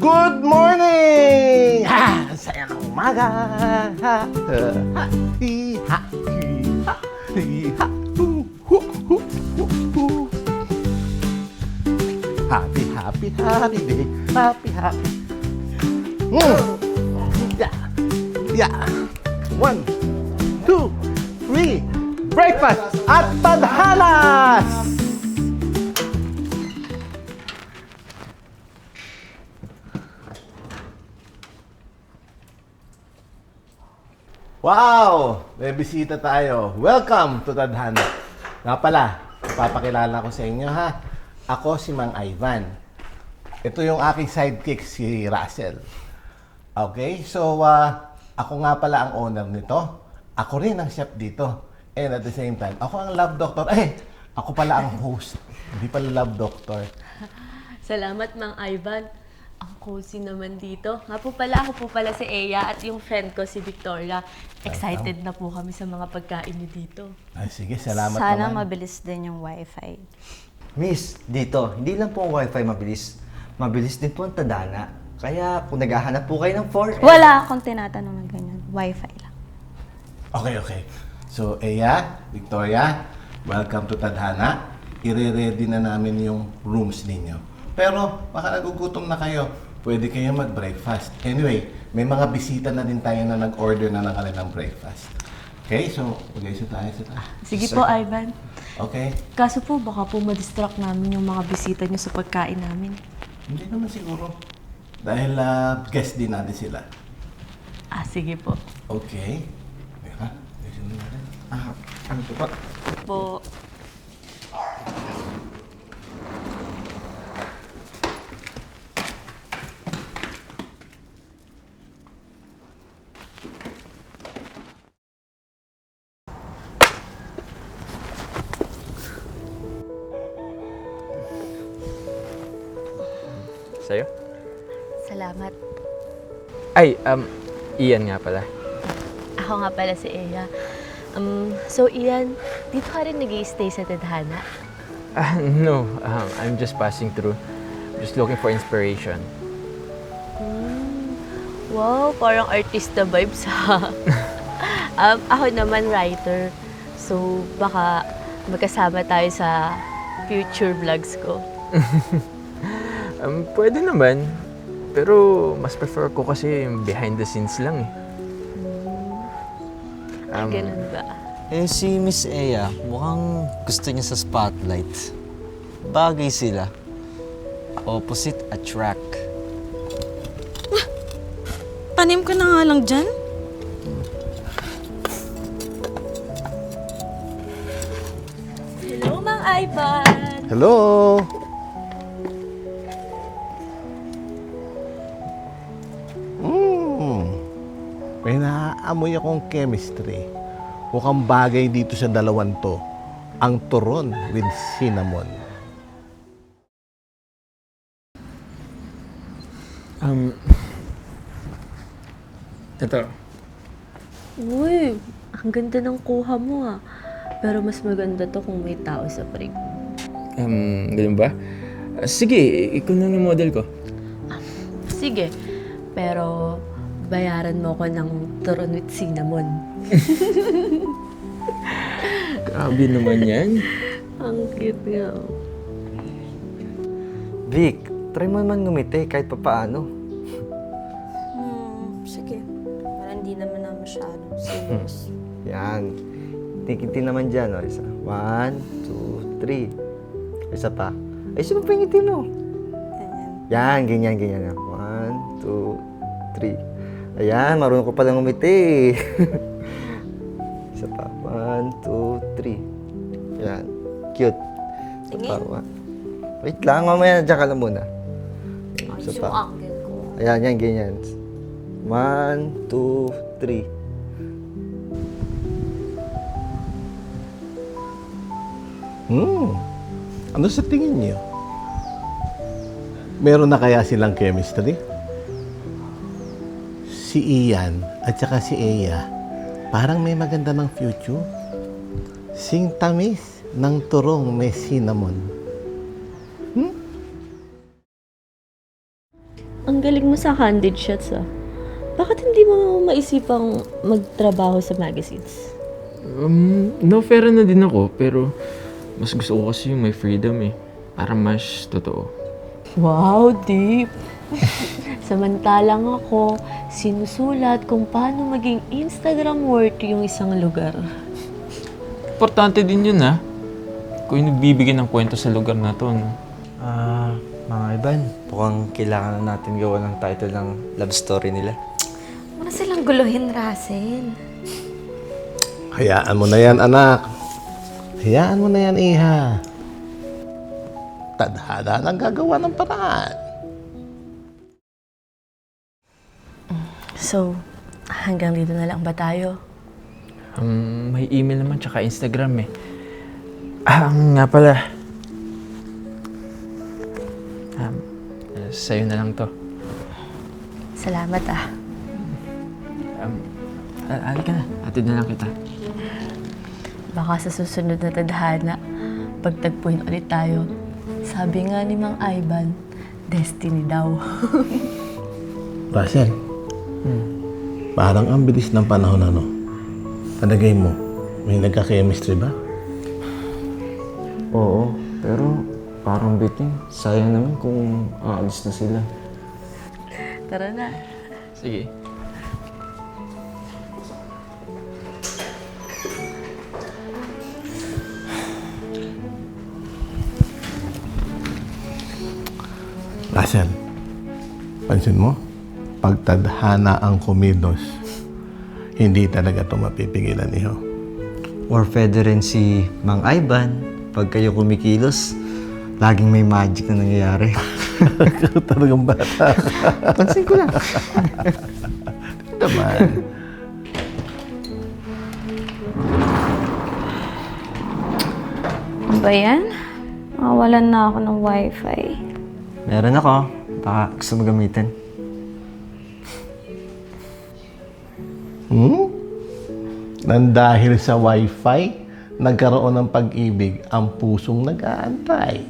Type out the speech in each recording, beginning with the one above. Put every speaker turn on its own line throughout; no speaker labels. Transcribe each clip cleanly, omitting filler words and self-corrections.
Good morning! Ha! Saya ng umaga! Ha! Ha! Hi-ha! Hi-ha! Hi-ha! Happy, happy, happy day! Happy, happy! Yeah! Yeah! 1, 2, 3! Breakfast at Tadhanas! Wow! May bisita tayo. Welcome to Tadhana. Nga pala, papakilala ko sa inyo ha. Ako si Mang Ivan. Ito yung aking sidekick, si Russell. Okay? So, ako nga pala ang owner nito. Ako rin ang chef dito. And at the same time, ako ang love doctor. Ako pala ang host. Hindi pala love doctor.
Salamat, Mang Ivan. Ang cozy naman dito. Ako po pala si Eya at yung friend ko si Victoria. Excited na po kami sa mga pagkain niyo dito.
Ay, sige, salamat
Sana
naman.
mabilis din yung wifi.
Miss, dito, hindi lang po ang wifi mabilis. Mabilis din po ang Tadhana. Kaya kung naghahanap po kayo ng 4M...
Wala akong tinatanong ng ganyan. Wifi lang.
Okay. So, Eya, Victoria, welcome to Tadhana. I-ready na namin yung rooms ninyo. Pero, baka nagugutom na kayo. Pwede kayo mag-breakfast. Anyway, may mga bisita na din tayo na nag-order na ng kanilang breakfast. Okay, so, mag-ayos tayo sa tayo.
Sige po, Ivan.
Okay?
Kaso po, baka po ma-distract namin yung mga bisita niyo sa pagkain namin.
Hindi naman siguro. Dahil guest din natin sila.
Sige po.
Okay. Teka, ayusin na natin.
Ano po ba?
Po.
Sa'yo?
Salamat.
Ay, Ian nga pala.
Ako nga pala si Eya. So Ian, dito ka rin nag-i-stay sa Tadhana?
No, I'm just passing through. Just looking for inspiration.
Wow, parang artista vibes ha. Ako naman writer. So baka magkasama tayo sa future vlogs ko.
Pwede naman. Pero mas prefer ko kasi yung behind the scenes lang eh.
Ganun ba?
Si Miss Eya, mukhang gusto niya sa spotlight. Bagay sila. Opposite attract.
Tanim ka na nga lang dyan.
Hello, Mang Ivan!
Hello! May naaamoy akong chemistry. Mukhang bagay dito sa dalawan to. Ang turon with cinnamon.
Ito.
Uy, ang ganda ng kuha mo ah. Pero mas maganda to kung may tao sa prig.
Ganun ba? Sige, ikaw na yung model ko.
Sige, pero bayaran mo ko ng turon with cinnamon.
Grabe naman yan.
Ang cute nga.
Vic, try mo naman ngumiti kahit papaano.
Sige. Parang hindi naman na masyado serious.
Yan. Tikinti naman dyan. O, isa. 1, 2, 3. Isa pa. Ay, sino pa yung ngiti mo?
Ganyan.
Yan. 1, 2, 3. Ayan, marunong ko palang ngumiti. Isa pa. 1, 2, 3. Yan. Cute. Isa pa. Wait lang, mamaya dyan ka lang muna. Isa
Yung
pa.
angle ko.
Ayan, yan, ganyan. 1, 2, 3.
Ano sa tingin niyo? Meron na kaya silang chemistry? Si Ian at saka si Eya, parang may maganda ng future. Sing tamis ng turong may cinnamon.
ang galing mo sa candid shots ah. Bakit hindi mo maisipang magtrabaho sa magazines?
No-fair na din ako, pero mas gusto ko kasi yung may freedom eh. Para mas totoo.
Wow, deep! Samantalang ako, sinusulat kung paano maging Instagram worthy yung isang lugar.
Importante din yun ha. Kung yung nagbibigay ng kwento sa lugar na to, no?
Mga Ivan, mukhang kailangan na natin gawa ng title ng love story nila.
Wala silang guluhin, Russell.
Hayaan mo na yan, anak. Hayaan mo na yan, iha. Tadhana lang gagawa ng paraan.
So, hanggang dito na lang ba tayo?
May email naman tsaka Instagram eh. Nga pala. Sa'yo na lang to.
Salamat ah.
Halika na. Atid na lang kita.
Baka sa susunod na tadhana, pagtagpuin ulit tayo. Sabi nga ni Mang Ivan, destiny daw.
Russell, parang ang bilis ng panahon ano. Talagay mo, may nagka-chemistry ba?
Oo, pero parang biting. Sayang naman kung aalis na sila.
Tara na.
Sige.
Russell, pansin mo? Pag tadhana ang kumilos, hindi talaga ito mapipigilan niyo.
Or pwede rin si Mang Ivan. Pag kayo kumikilos, laging may magic na nangyayari.
Talagang bata.
Pansin ko lang.
Naman.
Ano ba yan? Makawalan na ako ng wifi.
Meron ako. Baka gusto mo gamitin.
Nang dahil sa wifi, nagkaroon ng pag-ibig ang pusong nag-aantay.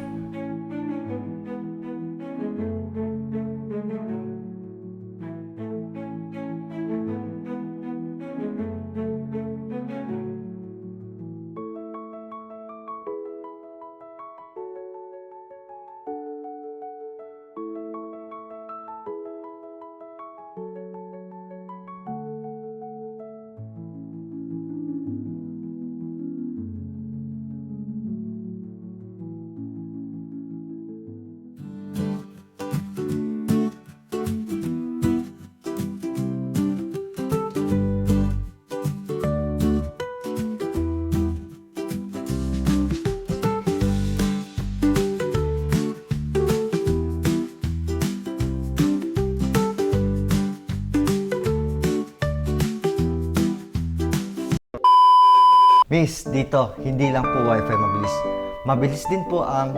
Miss, dito, hindi lang po wifi mabilis. Mabilis din po ang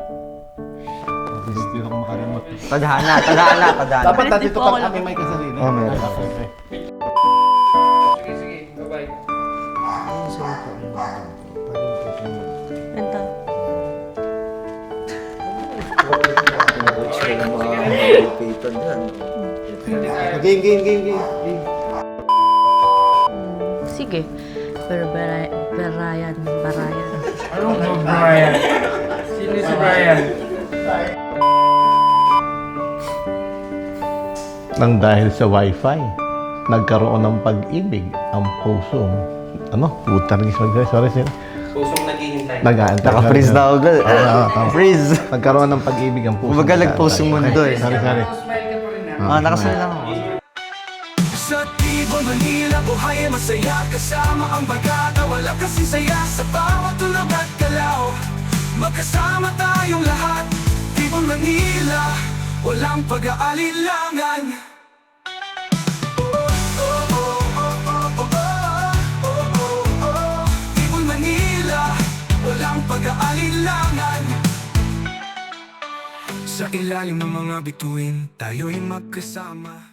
Hindi ako makalimot.
tadhana.
Dapat
Bilis
natin
din
ito
po ako
pag kami may kasarili.
Oh, meron.
Okay.
Ito.
Game.
Sige. Pero Barayan.
Anong Brian? Sino si Brian?
Nang dahil sa wifi, nagkaroon ng pag-ibig ang pusong puta naging sorry.
Pusong naghihintay.
Nag-aantay.
Naka-freeze na ako.
Tama.
Freeze.
Nagkaroon ng pag-ibig ang pusong.
Kumbaga nag-post yung mundo eh.
Sorry.
Nakasal lang ako.
Sa Tibo, Manila, buhay ay masaya. Kasama ang bagata, wala kasi saya. Sa bawat tulog at galaw, magkasama tayong lahat. Tibo, Manila, walang pag-aalilangan. Tibo, Manila, walang pag-aalilangan. Sa ilalim ng mga bituin, tayo'y magkasama.